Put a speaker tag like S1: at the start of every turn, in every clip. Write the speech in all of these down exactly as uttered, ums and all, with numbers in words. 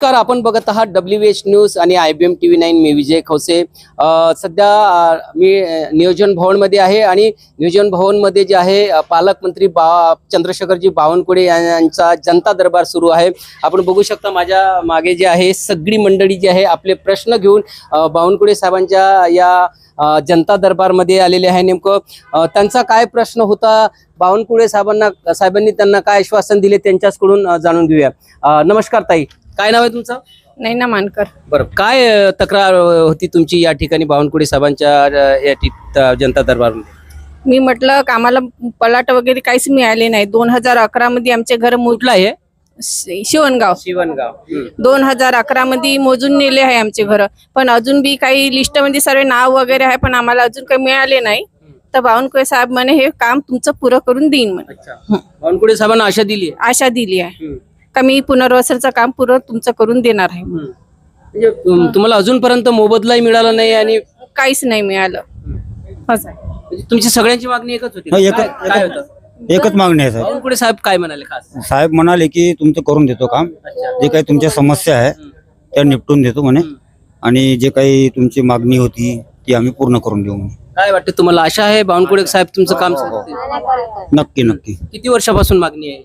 S1: नमस्कार, आपण बघत आहात डब्ल्यू एच न्यूज आणि I B M T V nine. मी विजय खवसे. अ, सध्या अ, मी अ, नियोजन भवनमध्ये आहे आणि नियोजन भवनमध्ये जे आहे अ, पालकमंत्री बा चंद्रशेखरजी बावनकुळे यांचा जनता दरबार सुरू आहे. आपण बघू शकता माझ्या मागे जे आहे सगळी मंडळी जी आहे आपले प्रश्न घेऊन अ, बावनकुळे साहेबांच्या या अ, जनता दरबारमध्ये आलेले आहे. नेमकं अ, त्यांचा काय प्रश्न होता, बावनकुळे साहेबांना साहेबांनी त्यांना काय आश्वासन दिले त्यांच्याकडून अ, जाणून घेऊया. अ, नमस्कार ताई, काय नाव आहे तुमचं?
S2: नैना मानकर.
S1: बरं, काय अ, तक्रार अ, होती तुमची या ठिकाणी बावनकुळे साहेबांच्या अ, या ठिक- अ, जनता दरबारमध्ये?
S2: मी म्हटलं का आम्हाला पलाट वगैरे काहीच मिळाले नाही. दोन हजार अकरा मध्ये आमचे घर मो-
S1: कुठलं आहे?
S2: शि- शिवणगाव
S1: शिवणगाव. हम्म.
S2: दोन हजार अकरा मध्ये मोजून नेले आहे आमचे घर. पण अजून बी काही लिस्ट मध्ये सर्व नाव वगैरे आहे, पण आम्हाला अजून काही मिळाले नाही. तर बावनकुळे साहेब म्हणे हे काम तुमचं पुरं करून देईन म्हणे.
S1: अच्छा, बावनकुळे साहेबांना आशा दिली आहे.
S2: आशा दिली आहे
S1: हम्म.
S2: का मी पुनर्वसनचं काम पुरं तुमचं करून देणार आहे.
S1: हम्म. म्हणजे तुम- तुम्हाला अजूनपर्यंत मोबदलाही मिळाला नाही आणि
S2: काहीच नाही मिळालं. असं आहे.
S1: म्हणजे तुमची सगळ्यांची मागणी एकच होती?
S3: हो, एकच-
S1: काय- काय होतं?
S3: एकच मागणी आहे साहेब.
S1: बावनकुळे साहेब काय म्हणाले खास?
S3: साहेब म्हणाले की तुमचं करून देतो काम,
S1: अच्छा.
S3: जे काही तुमच्या समस्या आहे त्या निपटून देतो म्हणे, आणि जे काही तुमची मागणी होती ती आम्ही पूर्ण करून देऊ म्हणे.
S1: काय वाटतं तुम्हाला, आशा आहे बावनकुळे साहेब तुमचं काम करतील?
S3: नक्की नक्की.
S1: किती वर्षापासून मागणी आहे?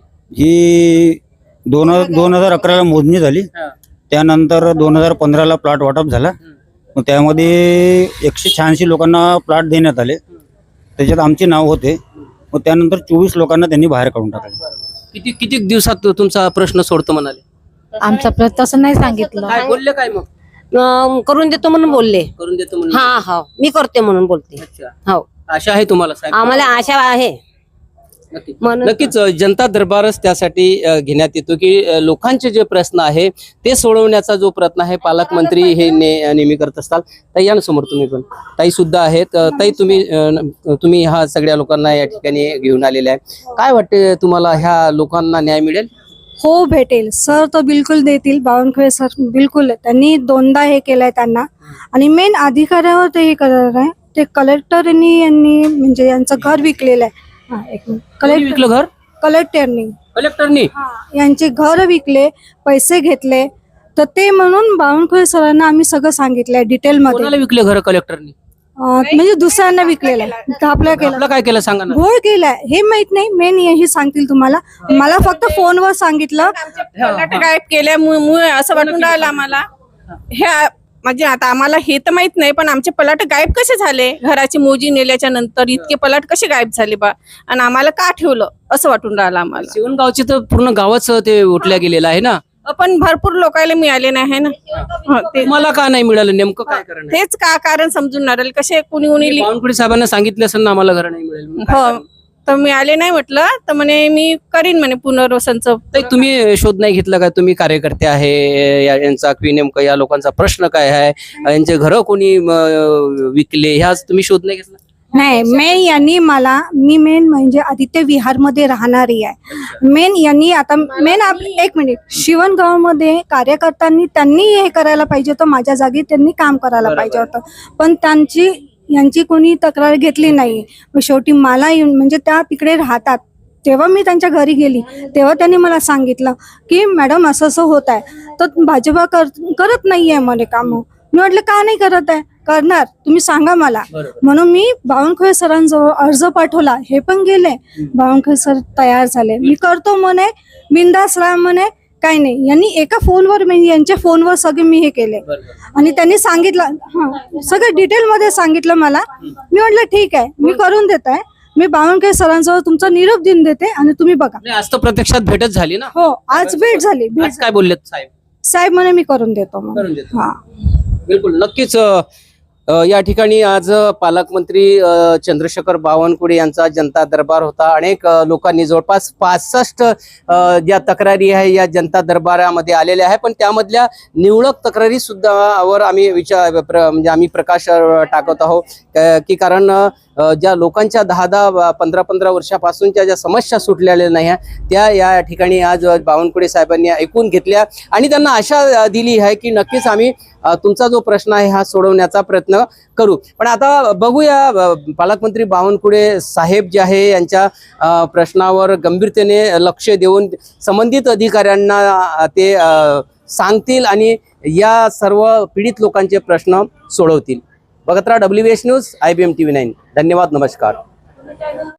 S3: ही दोन दोन हजार अकराला मोजणी झाली, त्यानंतर दोन हजार पंधराला प्लॉट वाटप झाला. मग त्यामध्ये एकशे शहाऐंशी लोकांना प्लॉट देण्यात आले, त्याच्यात आमचे नाव होते. मग त्यानंतर चोवीस लोकांना त्यांनी बाहेर काढून टाकले.
S1: किती किती दिवसात तुमचा प्रश्न सोडतो म्हणाले?
S4: आमचा प्रश्न तसं नाही सांगितलं.
S1: काय बोलले काय मग?
S5: अं, करून देतो म्हणून बोलले.
S1: करून देतो म्हणून?
S5: हा हा मी करते म्हणून बोलते.
S1: अच्छा,
S5: हो,
S1: आशा आहे तुम्हाला साहेब?
S5: आम्हाला आशा आहे.
S1: नक्की.
S5: म्हणून-
S1: नक्कीच अ, जनता दरबारच त्यासाठी अ, घेण्यात येतो की अ, लोकांचे जे प्रश्न आहे ते सोडवण्याचा जो प्रयत्न आहे पालकमंत्री हे ने- नेहमी करत असतात. ताई या ना समोर, तुम्ही पण ताई सुद्धा आहेत. अ, ताई तुम्ही अ, न- तुम्ही ह्या सगळ्या लोकांना या ठिकाणी घेऊन आलेले आहे. काय वाटते तुम्हाला, ह्या लोकांना न्याय मिळेल?
S4: हो, भेटेल सर, तो बिलकुल देतील. बावनकुळे सर बिलकुल, त्यांनी दोनदा हे केलंय त्यांना, आणि मेन अधिकाऱ्यावर ते हे करणार आहे. ते कलेक्टरनी यांनी म्हणजे यांचं घर विकलेलं आहे. हा, एक मिनिट.
S1: कोणी
S4: कलेक्टर
S1: विकलं घर?
S4: कलेक्टरनी
S1: कलेक्टरनी?
S4: यांचे घर विकले, पैसे घेतले. तर ते म्हणून बावनकुळे सरांना आम्ही सगळं सांगितलंय डिटेल मध्ये.
S1: कोणाला विकले घर कलेक्टरनी?
S4: अं, म्हणजे दुसऱ्यांना विकलेलं आहे. आपल्या केलं,
S1: आपलं काय केलं सांगा ना.
S4: घोळ केलाय हे माहित नाही, मेन हे सांगतील तुम्हाला. मला फक्त फोनवर सांगितलं.
S2: पलाट गायब केल्यामुळे असं वाटून राहिलं आम्हाला. ह्या म्हणजे आता आम्हाला हे तर माहित नाही, पण आमचे पलाट गायब कसे झाले? घराची मोजी नेल्याच्या नंतर इतके पलाट कसे गायब झाले बा, आणि आम्हाला का ठेवलं असं वाटून राहिलं आम्हाला.
S1: शिवणगावचे तर पूर्ण गावच ते उठल्या गेलेलं आहे ना.
S2: पण भरपूर लोकांना मिळाले नाही आहे ना. हं, ते-
S1: तुम्हाला का नाही मिळालं, नेमकं काय कारण आहे?
S2: तेच का कारण समजून नाही राहिले. कसे कुणी कुणी लि-
S1: बावनकुळे साहेबांना सांगितलं असेल ना आम्हाला घर नाही मिळेल म्हणून. काय
S2: हो,
S1: कारण?
S2: तर मिळाले नाही म्हटलं, तर म्हणे मी करीन म्हणे पुनर्वसनचं.
S1: ताई, तुम्ही शोध नाही घेतला का? तुम्ही कार्यकर्ते आहे या- यांचा की नेमकं या लोकांचा प्रश्न काय आहे, यांचे घर कोणी म, विकले, ह्याच तुम्ही शोध नाही घेतला?
S4: नाही, मेन यांनी मला, मी मेन म्हणजे आदित्य विहारमध्ये राहणारी आहे. मेन यांनी आता मेन आप एक मिनिट, शिवणगावमध्ये कार्यकर्त्यांनी त्यांनी हे करायला पाहिजे होतं, माझ्या जागी त्यांनी काम करायला पाहिजे होतं. पण त्यांची यांची कोणी तक्रार घेतली नाही. मग शेवटी मला येऊन म्हणजे त्या तिकडे राहतात, तेव्हा मी त्यांच्या घरी गेली तेव्हा त्यांनी मला सांगितलं की मॅडम असं असं होत आहे, तर भाजपा कर करत नाहीये म्हणे काम. मी म्हटलं का नाही करत आहे, करणार तुम्ही सांगा मला. म्हणून मी बावनकुळे सरांजवळ अर्ज पाठवला, हे पण गेले. बावनकुळे सर तयार झाले, मी करतो म्हणे, बिंदास राहा म्हणे, काही नाही. यांनी एका फोनवर म्हणजे यांच्या फोनवर सगळे मी हे केले, आणि त्यांनी सांगितलं, हा सगळं डिटेल मध्ये सांगितलं मला. मी म्हटलं ठीक आहे, मी करून देत आहे. मी बावनकुळे सरांजवळ तुमचा निरोप देऊन देते आणि तुम्ही बघा.
S1: नाही, आज तर प्रत्यक्षात भेटच झाली ना.
S4: हो, आज भेट झाली. भेट
S1: आज काय बोललेत साहेब?
S4: साहेब म्हणे मी करून देतो म्हणे.
S1: करून देतो.
S4: हा,
S1: बिलकुल, नक्कीच. अ, अ, या ठिकाणी आज पालकमंत्री अ, चंद्रशेखर बावनकुळे यांचा जनता दरबार होता. अनेक अ, लोकांनी जवळपास पासष्ट अ, ज्या तक्रारी आहे या जनता दरबारामध्ये आलेल्या आहे, पण त्यामधल्या निवडक तक्रारी सुद्धा वर आम्ही विचार प्र, म्हणजे आम्ही प्रकाश अ, टाकत आहोत क- की कारण अ, ज्या लोकांच्या दहा दहा पंधरा पंधरा वर्षापासूनच्या ज्या समस्या सुटलेल्या नाही आहे त्या या ठिकाणी आज बावनकुळे साहेबांनी ऐकून घेतल्या आणि त्यांना आशा अ, दिली आहे की नक्कीच आम्ही अ, तुमचा जो प्रश्न आहे हा सोडवण्याचा प्रयत्न करू. पण आता बघूया, अ, पालकमंत्री बावनकुळे साहेब जे आहे यांच्या अ, प्रश्नावर गंभीरतेने लक्ष देऊन संबंधित अधिकाऱ्यांना अ, ते अ, सांगतील आणि या सर्व पीडित लोकांचे प्रश्न सोडवतील. बघत राहा W B H news, I B M T V nine. धन्यवाद, नमस्कार.